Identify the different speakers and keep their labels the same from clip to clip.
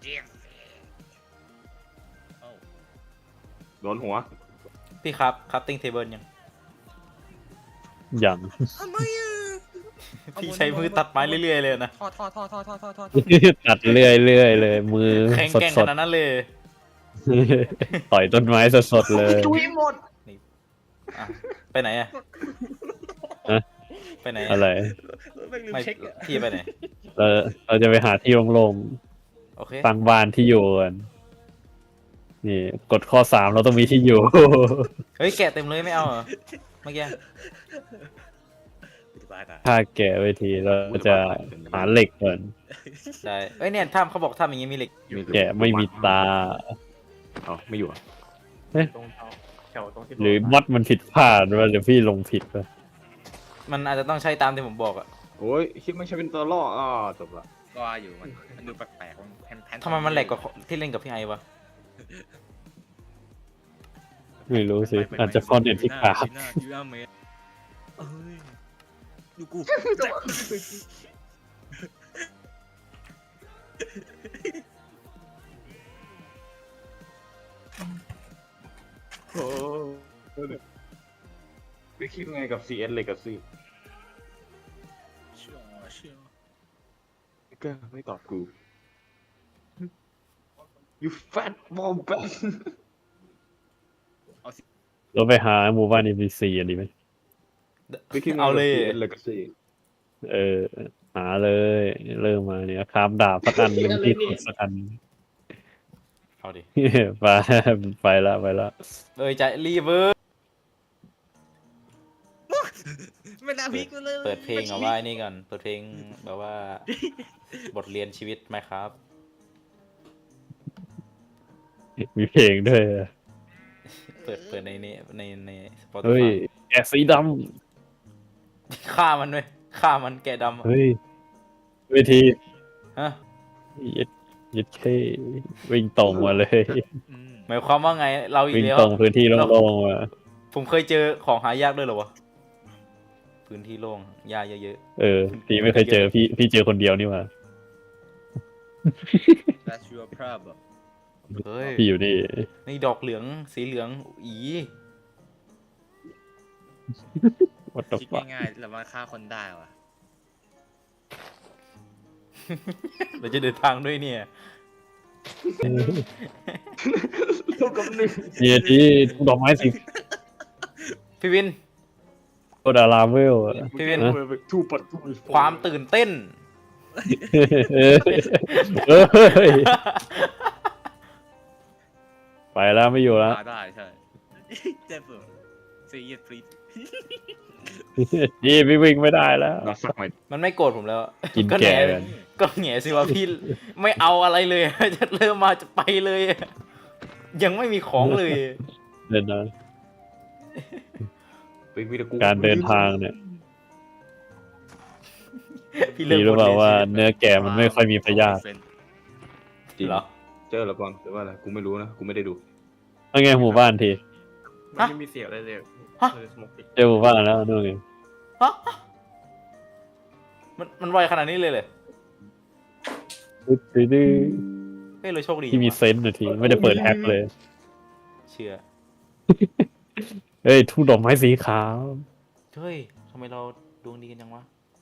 Speaker 1: โดนหัว
Speaker 2: พี่ครับติ้งเทเบิลยัง
Speaker 3: อย่าง
Speaker 2: พี่ใช้มือตัดไม้เรื่อยๆเลยนะ
Speaker 4: ทอด
Speaker 3: ตัดเรื่อยเลยมือ
Speaker 2: แข็งแกร่ง
Speaker 3: ส
Speaker 2: ข
Speaker 3: ด
Speaker 2: นาดนั้นเลย
Speaker 3: ๆต่อยต้นไม้สดๆเลย
Speaker 1: จุยหมด
Speaker 2: อ่ะไปไหนอะ
Speaker 3: ฮะ
Speaker 2: ไปไหน
Speaker 3: อะไร
Speaker 2: ไม่พี่ไปไหน
Speaker 3: เราจะไปหาที่โล่ง
Speaker 2: โอเค
Speaker 3: ๆตั้งบ้านที่อยู่กันนี่กฎข้อ 3เราต้องมีที่อยู่
Speaker 2: เฮ้ยแกะเต็มเลยไม่เอาเหรอเมื่อกี้
Speaker 3: ถ้าแกะเวทีเราจะหาเหล็กก่อน
Speaker 2: ใช่เอ้ยเนี่ยถ้ำเขาบอกถ้ำอย่างงี้มีเหล็ก
Speaker 3: แกะไม่มีตา
Speaker 1: อ๋อไม่อยู่อะ
Speaker 5: ตรงแถวตรงที่
Speaker 3: หรือมัดมันผิดพลาดว่าเดี๋ยวพี่ลงผิดไป
Speaker 2: มันอาจจะต้องใช้ตามที่ผมบอกอะ
Speaker 1: โอ้ยคิดไม่ใช่เป็นตัวล่อจบละ
Speaker 4: ก็อยู่มันดูแปลกๆมันแผ่น
Speaker 2: ทำไมมันแหลกกว่าที่เล่นกับพี่ไอวะ
Speaker 3: ไม่รู้สิอาจจะเพราะเน็ตที่ขาด
Speaker 4: เอ้ยดูกู
Speaker 1: โอ้ไม่คิดไงกับ CS Legacy
Speaker 4: เชื่อ
Speaker 1: ก็ไม่ตอบกู you fat wombat
Speaker 3: เราไปหาหมู่บ้าน NPC อันนี้ไหม
Speaker 1: ไม่คิดไง
Speaker 2: เอา
Speaker 1: กับ
Speaker 2: เลย
Speaker 1: CS Legacy
Speaker 3: หาเลยเริ่มมาเนี่ยคราฟดาบสักอันหนึ่งที่ขุดสักอัน
Speaker 2: เอาดิ
Speaker 3: ไปไปละ
Speaker 2: เอ้ยใจรีเวิร์
Speaker 4: ไม่น่าพิกเลย
Speaker 2: เปิดเพลงเอาไว้นี่ก่อนเปิดเพลงแบบว่า บทเรียนชีวิตไหมครับ
Speaker 3: มีเพลงด้วยอะ
Speaker 2: เปิดในนี้ในสปอต
Speaker 3: เฮ้ยแกะสีด
Speaker 2: ฆ่ามันด้วยฆ่ามันแกะดำ
Speaker 3: ำ
Speaker 2: อะ
Speaker 3: เฮ้ยเวที
Speaker 2: ฮะ
Speaker 3: ยึดแค่วิ่งตรงมาเลย
Speaker 2: หมายความว่าไงเราอีก
Speaker 3: วิ่ง
Speaker 2: แล้ว
Speaker 3: ตรงพื้นที่โล่งๆมา
Speaker 2: ผมเคยเจอของหายากด้วยเหรอวะพื้นที่โล่งหญ้าเยอะ
Speaker 3: พี่ไม่เคยเจอพี่เจอคนเดียวนี่หว่า
Speaker 4: That's your problem
Speaker 2: ๆเฮ้ย
Speaker 3: พี่อยู่นี่
Speaker 2: นี่ดอกเหลืองสีเหลืองอี
Speaker 3: วัดต
Speaker 4: คิด
Speaker 3: ฟัก
Speaker 4: ง่ายๆแล้วมันฆ่าคนได้วะ
Speaker 2: เราจะเดินทางด้วยเนี่ย
Speaker 1: เท่ากับหนึ่ง
Speaker 3: เนี่ยที่ดอกไม้สี
Speaker 2: พี่วิน
Speaker 3: โคดาราเวลอะ
Speaker 2: พี่วิน
Speaker 1: ทูปัดทู
Speaker 2: ความตื่นเต้น
Speaker 3: เอ้ยไปแล้วไม่อยู่แล้ว
Speaker 4: ฆ่าได้ใช่เจ็บเลยซีเอสฟรี
Speaker 3: นี่พี่วิ่งไม่ได้แล้ว
Speaker 1: เราสักหน่อย
Speaker 2: มันไม่โกรธผมแล้ว
Speaker 3: กิน
Speaker 2: ก็
Speaker 3: แกะ
Speaker 2: แห
Speaker 3: กัน
Speaker 2: ก็แหงสิว่าพี่ไม่เอาอะไรเลย จะเริ่มมาจะไปเลย ยังไม่มีของเลย
Speaker 3: เดินนะ
Speaker 1: เป็นวิดีโอ
Speaker 3: การเดินทางเนี่ย
Speaker 2: พี่เริ่ม
Speaker 3: พี่รู้เปล่าว่าเนื้อแกะมันไม่ค่อยมีพยาธิ
Speaker 1: จริง
Speaker 2: เหรอ
Speaker 1: เจอแล้วก่อนหรือว่าอะไรกูไม่รู้นะกูไม่ได้ดู
Speaker 3: ว่าไงหมู่บ้านที
Speaker 5: มันไม่มีเสียงอะไรเลยคือสโมกติ
Speaker 3: เจอหมู่บ้านแล้วนู่นไง
Speaker 2: ฮะมันไวขนาดนี้เลยเลย
Speaker 3: ดื้อ
Speaker 2: เฮ้ยเราโชคดี
Speaker 3: ที่มี
Speaker 2: ว่ะ
Speaker 3: เซนส์นาทีไม่ได้เปิดแฮกเลย
Speaker 2: เชื่อ
Speaker 3: เฮ้ยทุ่งดอกไม้สีขาว
Speaker 2: เฮ้ยทำไมเราดวงดีกันจังวะ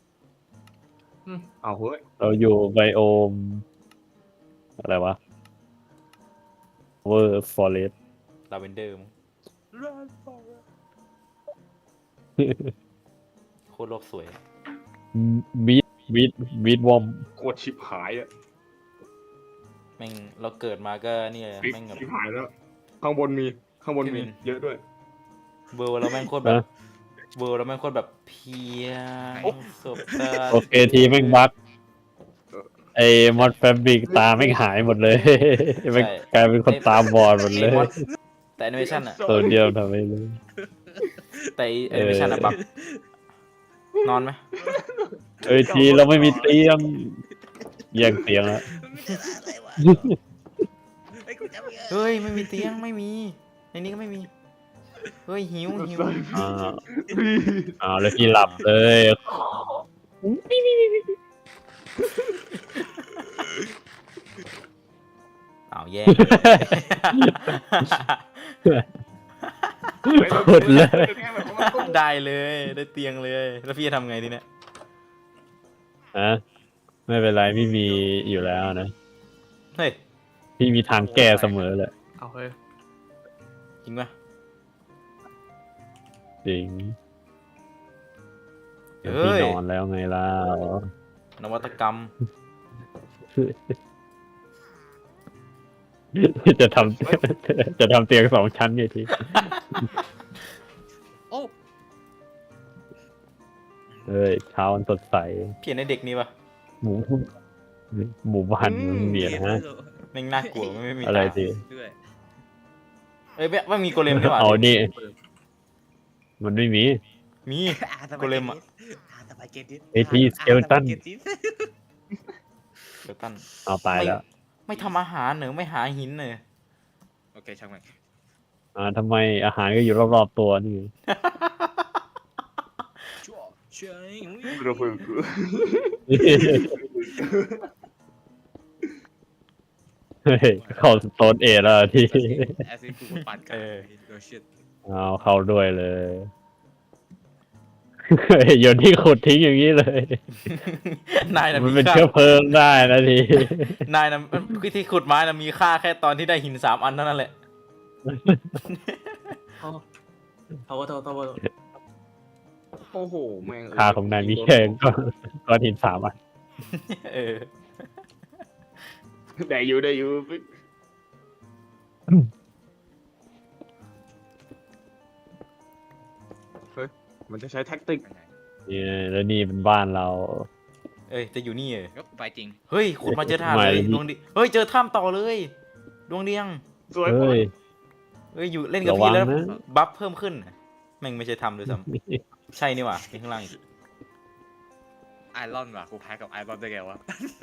Speaker 1: เอาเฮ้ย
Speaker 3: เราอยู่ไบโอม อะไรวะเวอร์ฟอเรส
Speaker 2: ลาเวนเดอร์มั้งโคตรโลกสวย
Speaker 3: บีดวอม
Speaker 1: โคตรชิบหายอะ
Speaker 2: แม่งเราเกิดมาก็นี่เลยแม่งแบบ
Speaker 1: ชิบหายแล้ว ข้างบนมีเยอะด้วย
Speaker 2: เบอร์เราแม่งโคตรแบบเบอร์เราแม่งโคตรแบบเพียงสบตา
Speaker 3: โอเคทีแม่งบักไอ้มอดแฟบริกตาแม่งหายหมดเลยแม่งกลายเป็นคนตาบอดหมดเลย
Speaker 2: แต่แอนิเมชันอะ
Speaker 3: ตัวเดียวทำไม่รู้
Speaker 2: แต่แอนิเมชันอะบักนอนไหม
Speaker 3: เอ้ยทีเราไม่มีเตียงแย่งเตียงแล้ว
Speaker 2: เฮ้ยไม่มีเตียงไม่มีในนี้ก็ไม่มีเฮ้ยหิว
Speaker 3: แล้วพี่หลับเลย
Speaker 2: แย่
Speaker 3: ขุดเลย
Speaker 2: ได้เลยได้เตียงเลย แล้วพี่จะทำไงทีเนี้ย
Speaker 3: ฮะไม่เป็นไรพี่มีอยู่แล้วนะ
Speaker 2: เฮ้ย
Speaker 3: พี่มีทางแก้เสมอเลย
Speaker 5: เอาเฮ้ย
Speaker 2: จริงปะ
Speaker 3: จริง
Speaker 2: เฮ้ย
Speaker 3: พี่นอนแล้วไงล่ะ
Speaker 2: นวัตกรรม
Speaker 3: จะทำจะทำเตียง2 ชั้นไงที
Speaker 4: โอ้
Speaker 3: เฮ้ยเช้าวันสดใส
Speaker 2: พี่เห็นในเด็กนี่ปะ
Speaker 3: หมู่หมู่บ้านมันมีนะฮะ
Speaker 2: แม่งน่ากลัวไม่มี
Speaker 3: อะไร
Speaker 2: ตา
Speaker 3: ที
Speaker 4: ด้วย
Speaker 2: เอ้ยไม่มีโกเลมนี่หว่า
Speaker 3: เอานี่มันไม่มี
Speaker 2: มี
Speaker 4: ส
Speaker 2: โกเลมอะ
Speaker 4: สปาเกตตี้
Speaker 3: ไอ้ที่ skeleton
Speaker 2: เดี๋ยวตั้น
Speaker 3: เอาตายแล้ว
Speaker 2: ไม่ทำอาหารเหนอไม่หาหินเหนอ
Speaker 4: โอเคช่างมัน
Speaker 3: ทำไมอาหารก็อยู่รอบๆตัวนี่
Speaker 4: ชั่วเชย
Speaker 1: เราเพิ่งกู
Speaker 3: เฮ้ยเข้าสโตนเอแล้วที่
Speaker 4: แอซิดกูปั่นกันโดยชิด
Speaker 3: เอาเข้าด้วยเลย เฮ้ยโยนที่ขุดทิ้งอย่างนี้เลย
Speaker 2: นายน่ะ
Speaker 3: มัน
Speaker 2: มี
Speaker 3: เป็น
Speaker 2: ค่า
Speaker 3: เชื้อเพลิงได้นะที
Speaker 2: นายน่ะที่ขุดไม้น่ะมีค่าแค่ตอนที่ได้หิน3 อันเท่านั้นแหละ
Speaker 5: เอาโทษ
Speaker 1: โอ้โหแม่ง
Speaker 3: ค่าของนายมีแค่ก้อนหิน3 อัน
Speaker 2: เออ
Speaker 1: ได้อยู่เฮ้ยมันจะใช้แท็กติก
Speaker 3: นี่แล้วนี่เป็นบ้านเรา
Speaker 2: เอ้ยจะอยู่นี่เหรอ
Speaker 4: ก็ไปจริง
Speaker 2: เฮ้ยขุดมาเจอถ้ำ
Speaker 3: ไม่
Speaker 2: เลยดวงดีเฮ้ยเจอถ้ำต่อเลยดวงเดียง
Speaker 1: สวย
Speaker 3: เฮ้ย
Speaker 2: เฮ้ยอยู่เล่นกับ
Speaker 3: ระวั
Speaker 2: พี่
Speaker 3: ง
Speaker 2: แล้ว
Speaker 3: นะ
Speaker 2: บัฟเพิ่มขึ้นแม่งไม่ใช่ถ้ำด้วยซ้ำใช่นี่หว่าที่ข้างล่างอีก
Speaker 4: ไอรอนว่ะกูแพ้กับไอรอนได้ไงวะ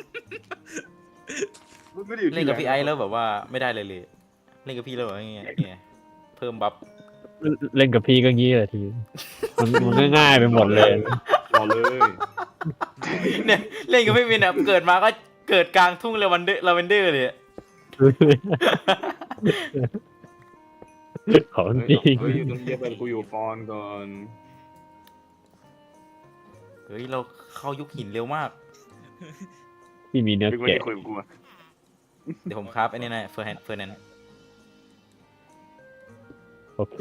Speaker 1: ไม่ได้อยู่
Speaker 2: เล่
Speaker 1: ที่
Speaker 2: นกับพี่ไอซ์แล้วแบบว่าไม่ได้เลยเล่นกับพี่แล้วแบบว่าไงเพิ่มบัฟ
Speaker 3: เล่นกับพี่ก็งี้แหละทีมันก็ง่ายไปหมดเลย
Speaker 1: รอเลย
Speaker 2: เนี่ยเล่นกับพี่วินอ่ะเกิดมาก็เกิดกลางทุ่งลาเวนเดอร์เลยอะ
Speaker 3: ของ
Speaker 1: เฮ้ย
Speaker 3: จริง
Speaker 1: เฮ้ยอยู่ตรงเย็บไปกูอยู่ฟอนก่อน
Speaker 2: เฮ้ยเราเข้ายุคหินเร็วมาก
Speaker 3: ที่มีเนื้อ
Speaker 1: ไม่ได้
Speaker 3: แกะ
Speaker 1: คุยกับกูอะ
Speaker 2: เดี๋ยวผมครับไอ้นี่นะเฟอร์แนน
Speaker 3: โอเค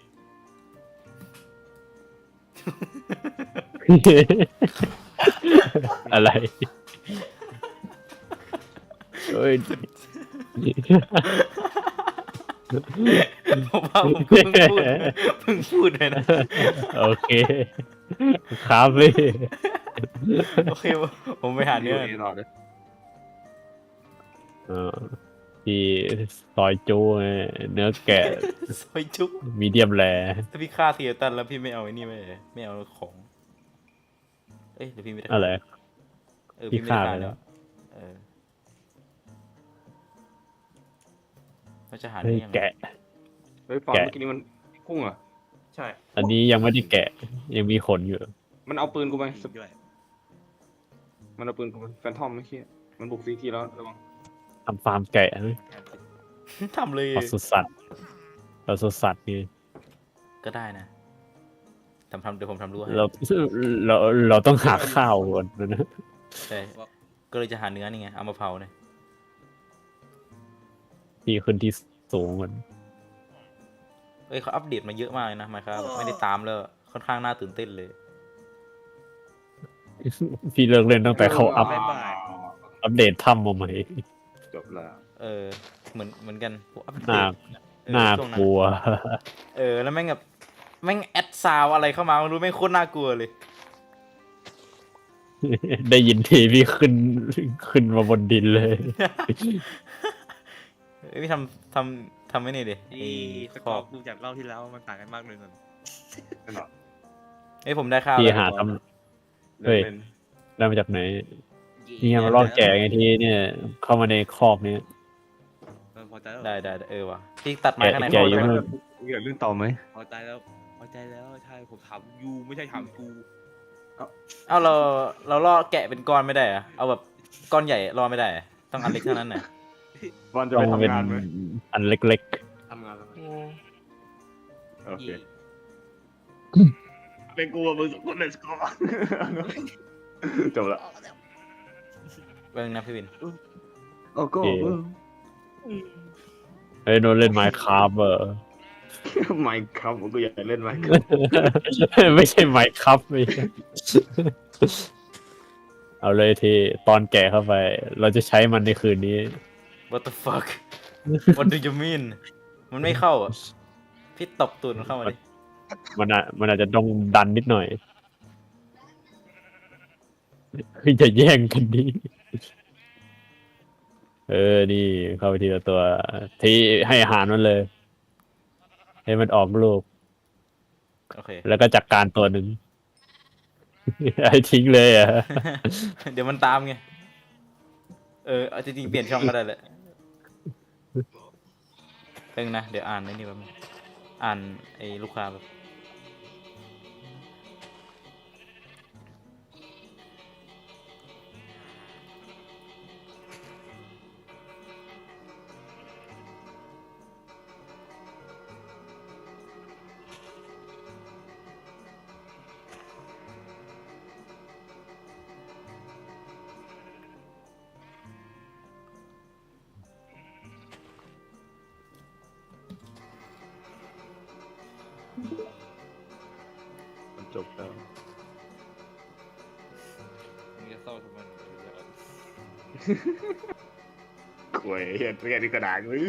Speaker 3: อะไรเฮ้ย
Speaker 2: ผมว่าผมเพิ่งพูดเลยนะ
Speaker 3: โอเคครับพี่
Speaker 2: โอเคผมไปหาเนื้อ
Speaker 1: ยู่รอเลย
Speaker 3: ที่ซอยจูไงเนื้อแกะ
Speaker 2: ซอยจุ๊บ
Speaker 3: มีเดียมแร
Speaker 2: ถ้าพี่ฆ่าเทียตันแล้วพี่ไม่เอาไอ้นี่ไม่เอาของเอ้ยเดี๋ยวพี่ไม่ได้
Speaker 3: อะไร
Speaker 2: พี่ไม่ได้
Speaker 3: พี่ฆ่า
Speaker 2: ฆ่า
Speaker 3: ไปแล้
Speaker 2: แล้ว วเราจะหา
Speaker 3: เฮ้
Speaker 2: เนื้
Speaker 3: ย
Speaker 2: อยังไง
Speaker 3: แกะ
Speaker 1: เฮ้ยฟอน
Speaker 3: แกะ
Speaker 1: เมื่อกี้นี้มันพุ่งเหรอ่ะ
Speaker 5: ใช่
Speaker 3: อันนี้ยังไม่ได้แกะ ยังมีขนอยู่
Speaker 1: มันเอาปืนกูไป
Speaker 4: ด้วย
Speaker 1: มันเอาปืนกูไปแฟนทอมไม่เคี้ยมันบุกซีทีแล้วระวัง
Speaker 3: ทำฟาร์มแกะไหม
Speaker 2: ทำเลย
Speaker 3: ปศุสัตว์ปศุสัตว์นี่
Speaker 2: ก็ได้นะเดี๋ยวผมทำรั้วให้
Speaker 3: เราต้องหาข้าวก่อนนะ
Speaker 2: ใช่ก็เลยจะหาเนื้อนี่ไงเอามาเผาเนี่ย
Speaker 3: ที่ขึ้นที่สูงก่อน
Speaker 2: เอ้ยเขาอัปเดตมาเยอะมากเลยนะมาครับไม่ได้ตามแล้วค่อนข้างน่าตื่นเต้นเลย
Speaker 3: พี่เลิกเล่นตั้งแต่เขาอัป
Speaker 4: บ๊ายบาย
Speaker 3: อัปเดตถ้ำมาใหม่
Speaker 1: จบแล้ว
Speaker 2: เหมือนกันพวกอัปเด
Speaker 3: น่า
Speaker 2: ต
Speaker 3: น่า
Speaker 2: ช่วง
Speaker 3: กลัว
Speaker 2: แล้วแม่งแบบแม่งแอดซาวอะไรเข้ามาไม่รู้แม่งโคตรน่ากลัวเลย
Speaker 3: ได้ยินทีพี่ขึ้นมาบนดินเลย
Speaker 2: พี่ทำไม่นี่ดิ
Speaker 4: ที่ส
Speaker 2: ข
Speaker 4: กอ
Speaker 2: อ
Speaker 4: ร์ดูจากรอบที่แล้วมันต่างกันมากเลยนน
Speaker 1: นั่นหรอ
Speaker 2: ผมได้ข้าว
Speaker 3: พี่
Speaker 2: แล้ว
Speaker 3: หาทำ เฮ้ย ได้มาจากไหนนี่ไงมาลอกแกะไงทีเนี่ย เข้ามาในคอกเนี้ย
Speaker 4: พอใจแล้ว
Speaker 2: ได้ว่ะพี่ตัดไม้ข้างใน
Speaker 3: แกะ
Speaker 2: พอ
Speaker 3: อยู่
Speaker 2: ได้ไหม
Speaker 3: นู่น
Speaker 1: อยากเล่นต่อไหม
Speaker 4: พอใจแล้วใช่ผมถามยูไม่ใช่ถามกู
Speaker 2: เอาเราล่อแกะเป็นก้อนไม่ได้เหรอะเอาแบบก้อนใหญ่ล่อไม่ได้เหรอต้องอันเล็กเท่านั้นน่ะ
Speaker 1: บอลจะ
Speaker 3: ต้
Speaker 1: ไป
Speaker 3: องเป็น
Speaker 1: ทำงานไหม
Speaker 3: อันเล็ก
Speaker 5: ทำงานแล้ว
Speaker 1: โอเค
Speaker 4: เย่
Speaker 1: เป็นกูกับมึงสองคน let's go จบละ
Speaker 2: เบิ่งนะพี่วิน
Speaker 1: โอ้ก็
Speaker 3: ๆเฮ้ยโนนเล่นไมค์ครับ
Speaker 1: ไม่ครับผมก็อยากเล่นไมค์
Speaker 3: ไม่ใช่ไมค์ครับไม่ใช่เอาเลยที่ตอนแก่เข้าไป เราจะใช้มันในคืนนี้
Speaker 2: What the fuck What do you mean มันไม่เข้าอ่ะพี่ตบตูดมันเข้ามาดิ
Speaker 3: มันอาจจะต้องดันนิดหน่อยคือจะแย่งกันดีนี่เข้าไปทีละตัว ที่ให้อาหารมันเลย ให้มันออกลูก
Speaker 2: โอเค
Speaker 3: แล้วก็จัดการตัวหนึ่ง ให้ทิ้งเลยอ่ะ
Speaker 2: เดี๋ยวมันตามไงเอาจริงๆเปลี่ยนช่องก็ได้แหละเพิ่งนะเดี๋ยวอ่านไอ้นี่แบบอ่านไอ้ลูกค้าแบบ
Speaker 1: มันจบแล้ว
Speaker 4: มึงจะเศร้าทำไม
Speaker 1: กล้วยเห็นเรียนที่กระดาษวิ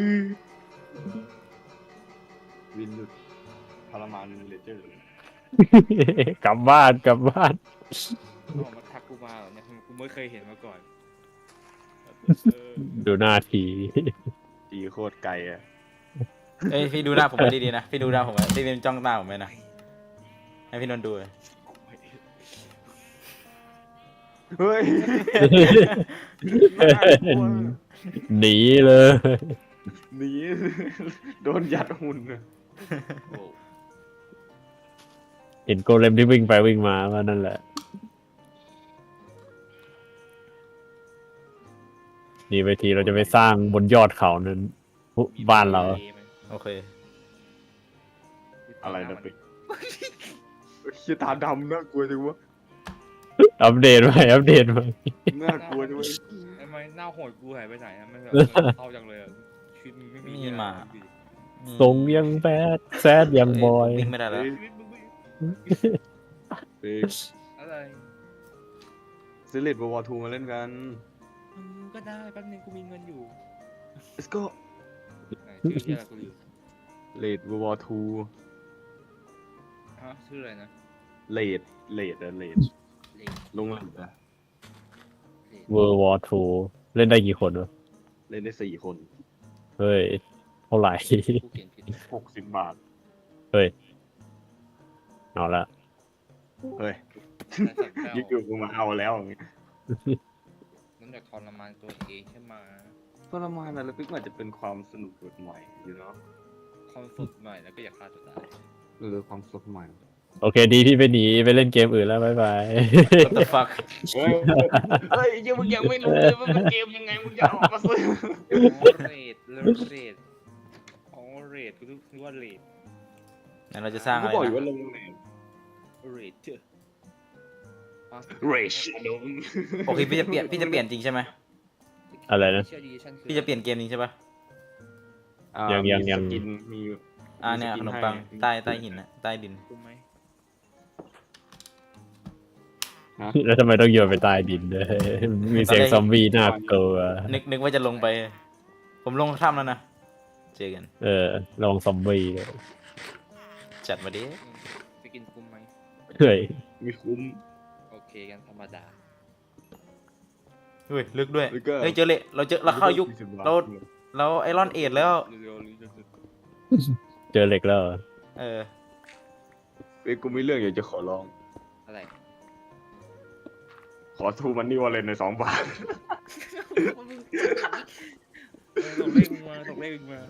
Speaker 1: นหยุดทรมานเลเจอร์
Speaker 3: กลับบ้าน
Speaker 4: เขามาทักกูมาเหรอเนี่ยกูไม่เคยเห็นมาก่อน
Speaker 3: ดูหน้าที
Speaker 1: ตีโคตรไกลอ่ะ
Speaker 2: เอ้ยพี่ดูหน้าผมไว้ดีๆนะพี่ดูหน้าผมไว้พี่เป็นจ้องหน้าผมไว้นะให้พี่นนท์ดูเลย
Speaker 1: เฮ้ย
Speaker 3: หนีเลย
Speaker 1: หนีโดนยัดหุ่นอะ
Speaker 3: เห็นโกเลมที่วิ่งไปวิ่งมาก็นั่นแหละ นี่ไปทีเราจะไปสร้างบนยอดเขานั้นบ้านเรา
Speaker 2: โอเค
Speaker 1: อะไรนะปิ๊กขี้ตาดำน่ากลัวจังวะ
Speaker 3: อัปเดตไหม
Speaker 1: น่ากลัวจังวะ
Speaker 4: ทำไมหน้าโหดกูหายไปไหนอะมันแบบเศร้าจังเลยอะชีวิตมึงไม่มี
Speaker 2: มีหมา
Speaker 3: ทรงยังแบดแซดยังบอย
Speaker 2: วิ่งไม่ได้แล้ว
Speaker 4: ชีวิตมึงไม่
Speaker 1: ปิ๊ก
Speaker 4: อะไร
Speaker 1: ซิลิตวอร์ทูมาเล่นกัน
Speaker 4: ก็ได้แป๊บนึงกูมีเงินอยู่
Speaker 1: let's go
Speaker 4: ชื่อที่อะไรกูลืม
Speaker 3: เลด
Speaker 1: วอร์ทู
Speaker 4: ฮะชื่ออะไรนะ
Speaker 1: เลดอะเลด
Speaker 4: เลน
Speaker 1: ลงเลดอะ
Speaker 3: เวอร์วอร์ทูเล่นได้กี่คนวะ
Speaker 1: เล่นได้4 คน
Speaker 3: เฮ้ย เท่าไหร่
Speaker 4: กูเขียนผิด
Speaker 1: 60 บาท
Speaker 3: เฮ้ย เอาละ
Speaker 1: เฮ้ย
Speaker 4: แต่สั่งแป้ว
Speaker 1: ยิ่งกูมาเอาแล้วอย่างงี้
Speaker 4: นั่นจากทรมานตัวเองใช่ไหม
Speaker 1: ทรมานอะไรปิ๊กมันอาจจะเป็นความสนุกแบบใหม่อยู่เนาะ
Speaker 4: ความสดใหม่แล้วก็อยากฆ่าตัวตาย
Speaker 1: ความสดใหม่
Speaker 3: โอเคดีที่ไปหนีไปเล่นเกมอื่นแล้ว บ๊ายบาย
Speaker 2: What the fuck
Speaker 1: เฮ้ยยังมึงยังไม่รู้เลยว่าเป็นเกมยังไงมึงจะออกมาซื้อ
Speaker 4: เรดอ๋อเรดกูนึกว่าเรด
Speaker 2: งั้นเราจะสร้าง
Speaker 1: กู
Speaker 2: อะไร
Speaker 1: บอกอยู่ว่า
Speaker 2: นะ
Speaker 1: ลงไหน
Speaker 4: เรดเจอ
Speaker 1: เรชโดม
Speaker 2: โอเคพี่จะเปลี่ยนจริงใช่ไหม
Speaker 3: อะไรนะ
Speaker 2: พี่จะเปลี่ยนเกมจริงใช่ปะ
Speaker 3: ยัง
Speaker 1: มีสกินมี
Speaker 2: เนี่ย
Speaker 1: ส
Speaker 2: ข
Speaker 1: กิ
Speaker 2: นม
Speaker 1: ให้
Speaker 2: ปังใต้หินนะใต้ดิน
Speaker 4: คุ้มไหม
Speaker 3: แล้วทำไมต้องโยนไปใต้ดินด้วยมีเสียงซอมบี้น่ากลัว
Speaker 2: นึกว่าจะลงไป ผมลงถ้ำแล้วนะเจอกัน
Speaker 3: ลองซอมบี้เลย
Speaker 2: จัดมาดิ
Speaker 4: จะกินคุ้มไหม
Speaker 3: เฮ้ย
Speaker 1: มีคุ้ม
Speaker 4: โอเคกันธรรมดา
Speaker 2: เฮ้ยลึกด้วย
Speaker 1: แล้วก็
Speaker 2: เฮ้ยเจอเลยเราเข้ายุค
Speaker 1: 40 บท
Speaker 2: เราไอรอนเอดแล้ว
Speaker 4: เร็วๆ
Speaker 3: เจอเหล็กแล้วเหรอ
Speaker 2: เออ
Speaker 1: เอ้ยกูมีเรื่องอยากจะขอร้อง
Speaker 4: อะไร
Speaker 1: ขอทูมันนี่วอลเลนใน2 บาท
Speaker 4: ส่งเลขมึงมาส่งเลขมึงมา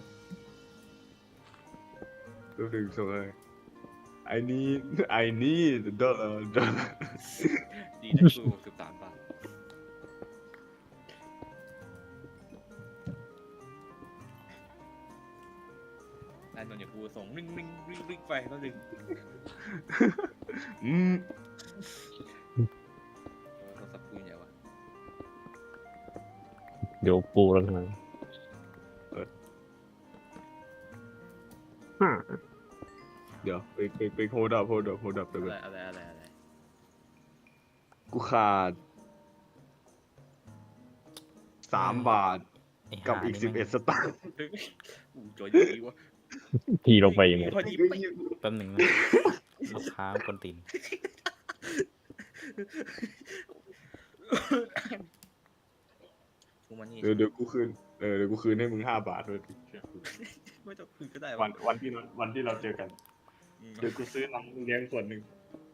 Speaker 1: รูปหนึ่งส่งเลย I need dollar
Speaker 4: ดีนะกู13 บาทนนท์อย่างกูส่งริงริงริงริงไปแล้วดึง
Speaker 1: อืม
Speaker 4: โทรศัพท์กูอย่างวะ
Speaker 3: เดี๋ยวปูแล้วกัน
Speaker 1: เดี๋ยวไปโฮดับเดี๋ยว
Speaker 4: อะไร
Speaker 1: กูขาด3 บาท
Speaker 2: ไอ้
Speaker 1: กับ
Speaker 2: ห่า
Speaker 1: อีก
Speaker 2: นี่แม่ง
Speaker 1: 11 สตางค์
Speaker 4: กูจอยอย่างนี้วะ
Speaker 3: ทีลงไปยังไง
Speaker 4: พอดีไป
Speaker 2: แป๊บหนึ่งนะลูกค้าคนตีน
Speaker 4: กูมานี่
Speaker 1: เดี๋ยวกูคืนเดี๋ยวกูคืนให้มึง5 บาทด้วย
Speaker 4: ไม่ต้องคืนก็ได้
Speaker 1: วันที่เราเจอกัน เดี๋ยวกูซื้อน้ำเลี้ยงส่วนหนึ่ง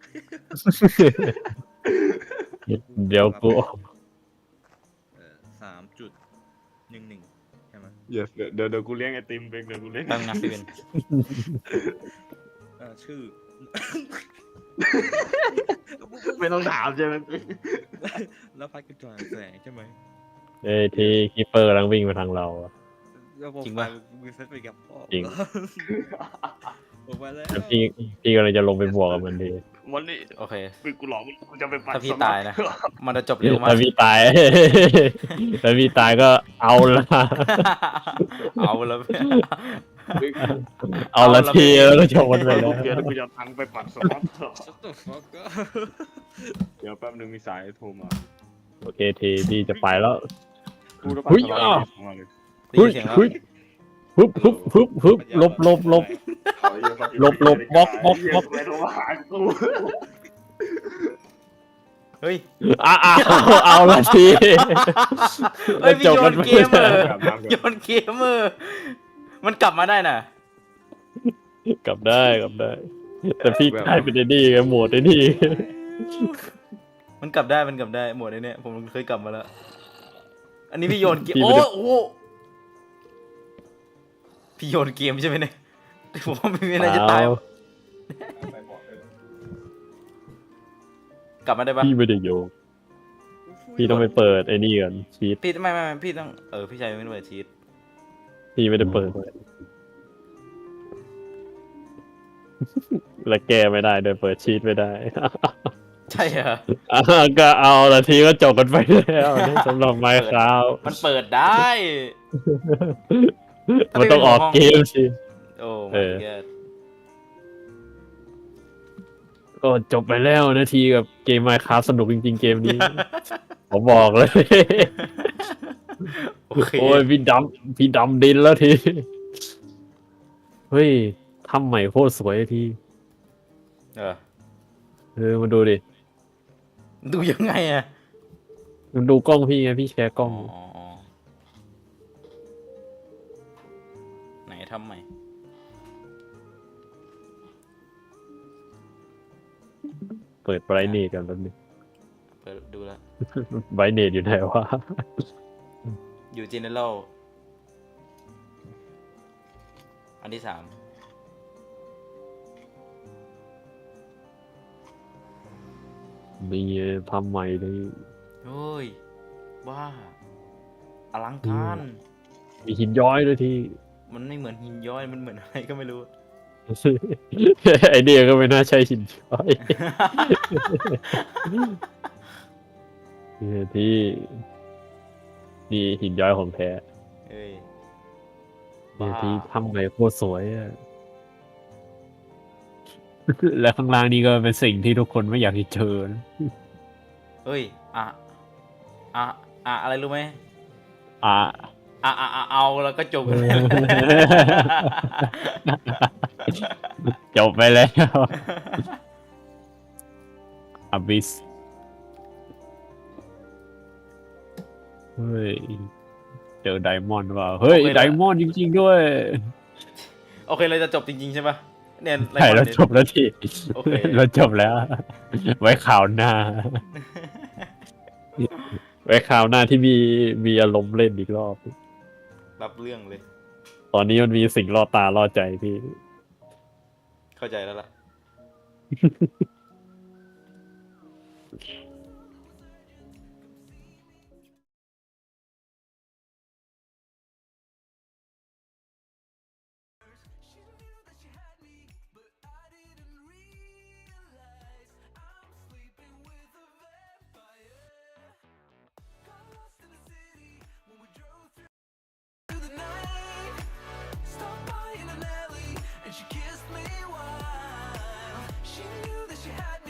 Speaker 3: เดี๋ยวกู
Speaker 4: 3.11ใช่ไหม
Speaker 1: เดี๋ยวกูเลี้ยงไอติมเบงเดี๋ยวกูเลี้ยง
Speaker 2: แป๊บนึงนะพี่เบน
Speaker 4: ชื่อ
Speaker 1: ไม่ต้องถามใช่ไหม
Speaker 4: แล้วพัดกระจายแสงใช่ไหม
Speaker 3: ที่คีเปอร์กำลังวิ่งมาทางเราอะ
Speaker 4: แล้วผมไปมือเซตไปกับพ่อ
Speaker 3: จริง
Speaker 4: ผมไปแล้ว
Speaker 3: แล้วพี่กำลังจะลงไปบวกกับมันดี
Speaker 1: วันนี้
Speaker 2: โอเค
Speaker 1: กูหลอกกูจะไปปั่น
Speaker 2: ถ้าพี่
Speaker 1: สมัคร
Speaker 2: ตายนะ มันจะจบเร็วมาก
Speaker 3: ถ้าพี่ตาย ถ้าพี่ตายก็เอาละ
Speaker 2: เอาแล้ว
Speaker 3: เอาละทีแล้วก็จบมันไป
Speaker 1: ไป
Speaker 3: แล้
Speaker 1: ลู
Speaker 3: ว
Speaker 1: กเดียวแล้วกูจะเอาตังค์ไปปั่นสล็อต
Speaker 4: ชัตเตอร์ฟักก็
Speaker 1: เดี๋ยวแป๊บนึงมีสายโทรมา
Speaker 3: โอเคทีพี่จะไปแล้ว
Speaker 1: กูจะปั่นสล็อตมาเลย
Speaker 2: ได้ยินเสียงแล้ว
Speaker 3: ฮึบลบลบลบ ลบลบบล็อกบล็อกบล็อก
Speaker 1: ไม่โทรมาหากู
Speaker 2: เฮ้ย
Speaker 3: เอาละที
Speaker 2: เฮ้ยพี่โยนเกมเมอร์
Speaker 1: อาบน้ำก่อน
Speaker 2: โยนเกมเมอร์มันกลับมาได้น่ะ
Speaker 3: กลับได้แต่พี่กลายเป็นไอ้นี่ไงโหมดไอ้นี่
Speaker 2: มันกลับได้หมดไอ้เนี่ยผมเคยกลับมาแล้ว อันนี้พี่โยนเกมโอ้โหพี่โยนเกมใช่ไหมเนี่ยผมว่าไม่มีอะไรจะตาย กลับมาได้ปะ
Speaker 3: พี่ไม่ได้โยกพี่ต้องไปเปิดไอ้นี่ก่อนชีต
Speaker 2: พี่ไม่พี่ต้องพี่ชายไม่ได้เปิดชีต
Speaker 3: พี่ไม่ได้เปิด และแก้ไม่ได้โดยเปิดชีตไม่ได้
Speaker 2: ใช่เหรอ
Speaker 3: ก็เอาละทีก็จบกันไปแล้วสำหรับไมค์ครับ
Speaker 2: มันเปิดได้
Speaker 3: มันต้องออกเกมสิ
Speaker 2: โอ้
Speaker 3: เอ
Speaker 2: my
Speaker 3: อ
Speaker 2: god
Speaker 3: ก็จบไปแล้วนาทีกับเกมไมค์ครับสนุกจริงๆเกมนี้ ผมบอกเลย
Speaker 2: โอเค
Speaker 3: โอ้ยพี่ดำดินแล้วที เฮ้ยทำใหม่โคตรสวยที มาดูดิ
Speaker 2: ดูยังไงอะ
Speaker 3: มันดูกล้องพี่ไงพี่แชร์กล้อง
Speaker 2: อ๋อไหนทำใหม่
Speaker 3: เปิดไบรท์เนตกันแป๊บนึง
Speaker 2: เปิดดูแล้ว
Speaker 3: ไบรท์เนตอยู่ไหนวะ
Speaker 2: อยู่ general อันที่ 3
Speaker 3: มีทำใหม่เลย
Speaker 2: เฮ้ยบ้าอลังการ
Speaker 3: มีหินย้อยด้วยที
Speaker 2: มันไม่เหมือนหินย้อยมันเหมือนอะไรก็ไม่รู้
Speaker 3: ไอเดียก็ไม่น่าใช่หินย้อย เนี่ยที่นี่หินย้อยของแท้
Speaker 2: เอ้ย
Speaker 3: เนี่ย
Speaker 2: บ้า
Speaker 3: ที่ทำใหม่โคตรสวยอะ และข้างล่างนี่ก็เป็นสิ่งที่ทุกคนไม่อยากจะเจอนะ
Speaker 2: เฮ้ยอะไรรู้ไหม
Speaker 3: อ่ะ
Speaker 2: เอาแล้วก็จบกัน
Speaker 3: จบไปแล้วอบิสเฮ้ยเจอไดมอนด์ว่ะเฮ้ยไดมอนด์จริงๆด้วย
Speaker 2: โอเคเราจะจบจริงๆใช่ปะเนี่ย
Speaker 3: ใช่เราจบแล้วที
Speaker 2: โอเค
Speaker 3: เราจบแล้ว ไว้ข่าวหน้า ไว้ข่าวหน้าที่มีอารมณ์เล่นอีกรอบ
Speaker 2: รับเรื่องเลย
Speaker 3: ตอนนี้มันมีสิ่งล่อตาล่อใจพี่
Speaker 2: เข้าใจแล้วล่ะ
Speaker 6: She kissed me while she knew that she had me